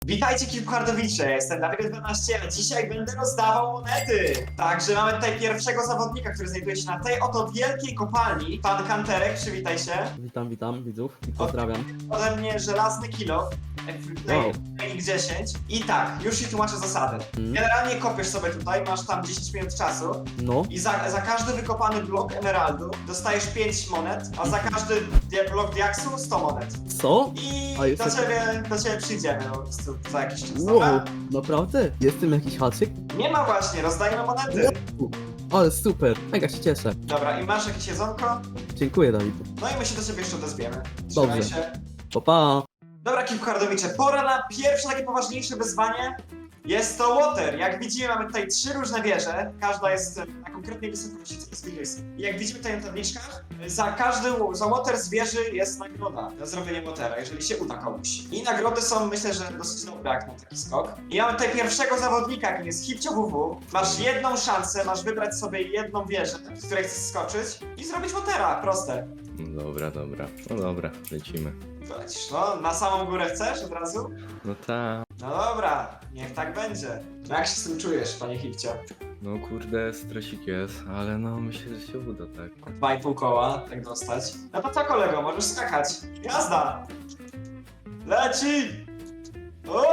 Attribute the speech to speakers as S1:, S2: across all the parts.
S1: Witajcie Kilkuhardowicze, ja jestem Dawid12, a dzisiaj będę rozdawał monety. Także mamy tutaj pierwszego zawodnika, który znajduje się na tej oto wielkiej kopalni. Pan Kanterek, przywitaj się.
S2: Witam widzów i pozdrawiam.
S1: Ode mnie żelazny kilo,
S2: Wow.
S1: X10. I tak, już ci tłumaczę zasady. Generalnie kopiesz sobie tutaj, masz tam 10 minut czasu.
S2: No,
S1: I za każdy wykopany blok emeraldu dostajesz 5 monet, a za każdy blok diaksu 100 monet.
S2: co?
S1: I
S2: A jeszcze-
S1: do ciebie przyjdziemy po prostu za jakiś czas,
S2: Wow,
S1: dobra?
S2: naprawdę? Jestem jakiś haczyk?
S1: Nie ma właśnie, rozdajemy monety.
S2: Ale super, mega się cieszę.
S1: Dobra, i masz jakieś jedzonko?
S2: Dziękuję, Dawid.
S1: No i my się do ciebie jeszcze odezwiemy. Trzymaj
S2: Dobrze.
S1: się.
S2: Pa, pa.
S1: Dobra, Kilkuhardowicze, pora na pierwsze takie poważniejsze wyzwanie. Jest to water. Jak widzimy, mamy tutaj 3 różne wieże. Każda jest na konkretnej wysokości, co jest. I jak widzimy tutaj na tabliczkach, za water z wieży jest nagroda za zrobienie watera, jeżeli się uda komuś. I nagrody są, myślę, że dosyć dobre jak na taki skok. I mamy tutaj pierwszego zawodnika, jakim jest Hipcio WW. Masz jedną szansę, masz wybrać sobie jedną wieżę, z której chcesz skoczyć i zrobić watera. Proste.
S3: Dobra. No dobra, lecimy.
S1: To lecisz, no, na samą górę chcesz od razu?
S3: No ta.
S1: No dobra, niech tak będzie. No jak się z tym czujesz, panie Hipcio?
S3: No kurde, stresik jest, ale no myślę, że się uda, tak.
S1: 2,5 koła, tak dostać. No to co kolego, możesz skakać. Jazda! Leci! O!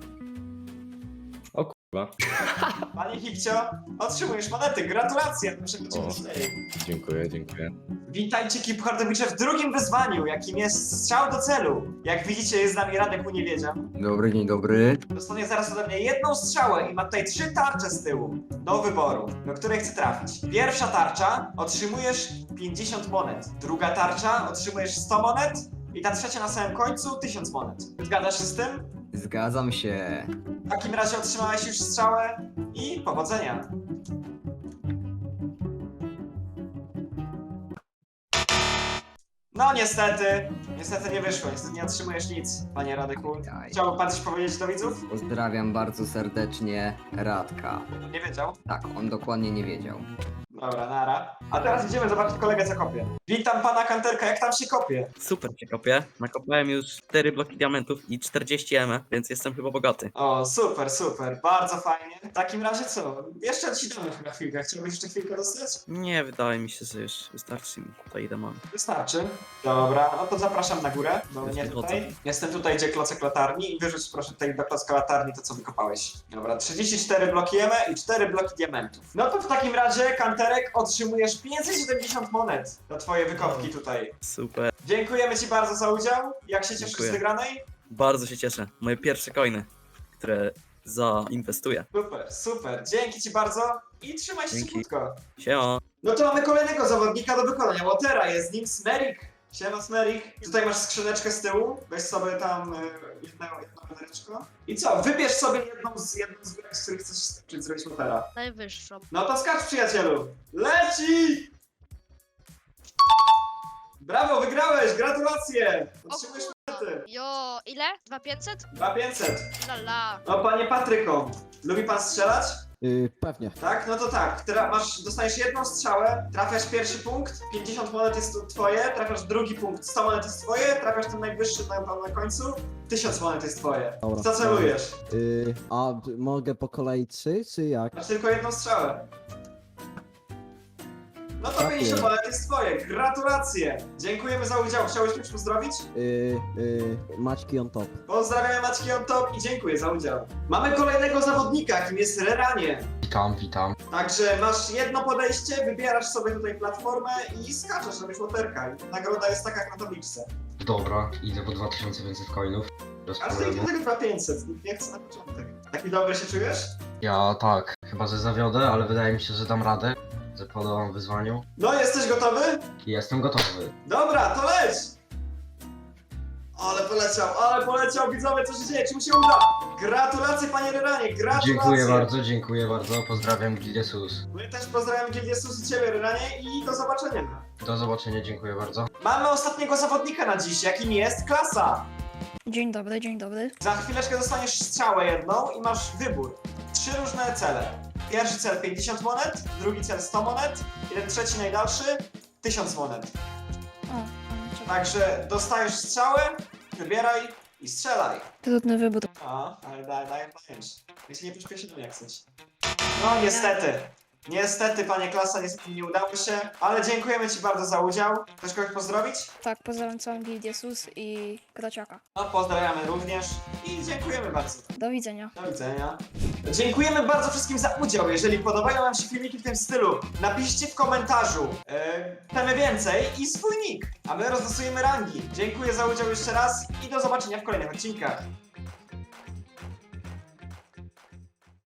S3: O kurwa.
S1: Panie Hipcio, otrzymujesz monety, gratulacje! Muszę być
S3: O. Dziękuję.
S1: Witajcie Kilkuhardowicze w drugim wyzwaniu, jakim jest strzał do celu. Jak widzicie, jest z nami Radek Uniewiedzian.
S4: Dobry, dzień dobry.
S1: Dostanie zaraz ode mnie jedną strzałę i ma tutaj 3 tarcze z tyłu do wyboru, do której chce trafić. Pierwsza tarcza, otrzymujesz 50 monet. Druga tarcza, otrzymujesz 100 monet. I ta trzecia na samym końcu 1000 monet. Zgadzasz się z tym?
S4: Zgadzam się.
S1: W takim razie otrzymałeś już strzałę i powodzenia. No niestety nie wyszło, niestety nie otrzymujesz nic, panie Radeku.
S4: Daj.
S1: Chciałby pan coś powiedzieć do widzów?
S4: Pozdrawiam bardzo serdecznie Radka.
S1: Nie wiedział.
S4: Tak, on dokładnie nie wiedział.
S1: Dobra, nara. A teraz idziemy zobaczyć kolegę, co kopie. Witam pana Kanterka, jak tam się kopie?
S5: Super się kopię. Nakopałem już 4 bloki diamentów i 40 M, więc jestem chyba bogaty.
S1: O, super, bardzo fajnie. W takim razie co? Jeszcze ci damy chyba chwilkę. Chciałbyś jeszcze chwilkę dostać?
S5: Nie, wydaje mi się, że już wystarczy mi tutaj ile mam.
S1: Wystarczy. Dobra, no to zapraszam na górę, bo
S5: Już
S1: nie
S5: wychodzę.
S1: tutaj. Jestem tutaj, gdzie klocek latarni i wyrzuć proszę tutaj do klocka latarni to, co wykopałeś. Dobra, 34 bloki jemy i 4 bloki diamentów. No to w takim razie, Kanterek, otrzymujesz 570 monet za twoje wykopki tutaj.
S5: Super.
S1: Dziękujemy ci bardzo za udział. Jak się cieszysz
S5: Dziękuję.
S1: z wygranej?
S5: Bardzo się cieszę. Moje pierwsze coiny, które zainwestuję.
S1: Super. Dzięki ci bardzo i trzymaj się
S5: Dzięki.
S1: krótko.
S5: Siema.
S1: No to mamy kolejnego zawodnika do wykonania Watera, jest nim Smerik. Siema Smerik. Tutaj masz skrzyneczkę z tyłu, weź sobie tam jedno wiadereczko. I co, wybierz sobie jedną z górek, z których chcesz skoczyć, zrobić Watera.
S6: Najwyższą.
S1: No to skacz przyjacielu. Leci! Brawo, wygrałeś, gratulacje! Otrzymujesz monety.
S6: Jo, ile? 2500?
S1: 2500.
S6: Lala.
S1: No panie Patryko, lubi pan strzelać?
S2: Pewnie.
S1: Tak? No to tak. Dostajesz jedną strzałę, trafiasz pierwszy punkt, 50 monet jest twoje, trafiasz drugi punkt, 100 monet jest twoje, trafiasz ten najwyższy na końcu, 1000 monet jest twoje.
S7: Dobra.
S1: Co celujesz?
S7: Mogę po kolei 3, czy jak?
S1: Masz tylko jedną strzałę. No to
S7: Tak
S1: 50
S7: jest.
S1: monet jest twoje. Gratulacje! Dziękujemy za udział. Chciałeś mnie pozdrowić?
S7: Maćki on top.
S1: Pozdrawiamy Maćki on top i dziękuję za udział. Mamy kolejnego zawodnika, jakim jest Reranie.
S4: Witam.
S1: Także masz jedno podejście, wybierasz sobie tutaj platformę i skaczesz, robisz łoterka. I nagroda jest taka jak na tabliczce.
S8: Dobra, idę po 2500 coinów. Bez
S1: A z tej
S8: problemu.
S1: tylko 500, nie chcę na początek. Taki dobry się czujesz?
S8: Ja tak, chyba że zawiodę, ale wydaje mi się, że dam radę. Że podołam wyzwaniu.
S1: No, jesteś gotowy?
S8: I jestem gotowy.
S1: Dobra, to leć! Ale poleciał, widzowie, co się dzieje, czy mu się uda? Gratulacje, panie Reranie, gratulacje!
S8: Dziękuję bardzo, pozdrawiam Gildię Sus.
S1: My też pozdrawiamy Gildię Sus i ciebie, Reranie, i do zobaczenia.
S8: Do zobaczenia, dziękuję bardzo.
S1: Mamy ostatniego zawodnika na dziś, jakim jest Klasa.
S9: Dzień dobry.
S1: Za chwileczkę dostaniesz strzałę jedną i masz wybór. 3 różne cele. Pierwszy cel 50 monet, drugi cel 100 monet i ten trzeci najdalszy 1000 monet.
S9: O, czekaj.
S1: Także dostajesz strzałę, wybieraj i strzelaj.
S9: Trudny wybór.
S1: No, ale dajesz. Jeśli nie pośpieszy, to jak chcesz. No niestety. Niestety, panie Klasa, niestety nie udało się, ale dziękujemy ci bardzo za udział. Chcesz kogoś pozdrowić?
S9: Tak, pozdrawiam całą gildię SUS i Krociaka.
S1: No, pozdrawiamy również i dziękujemy bardzo.
S9: Do widzenia.
S1: Do widzenia. Dziękujemy bardzo wszystkim za udział. Jeżeli podobają wam się filmiki w tym stylu, napiszcie w komentarzu chcemy więcej i swój nick, a my rozlosujemy rangi. Dziękuję za udział jeszcze raz i do zobaczenia w kolejnych odcinkach.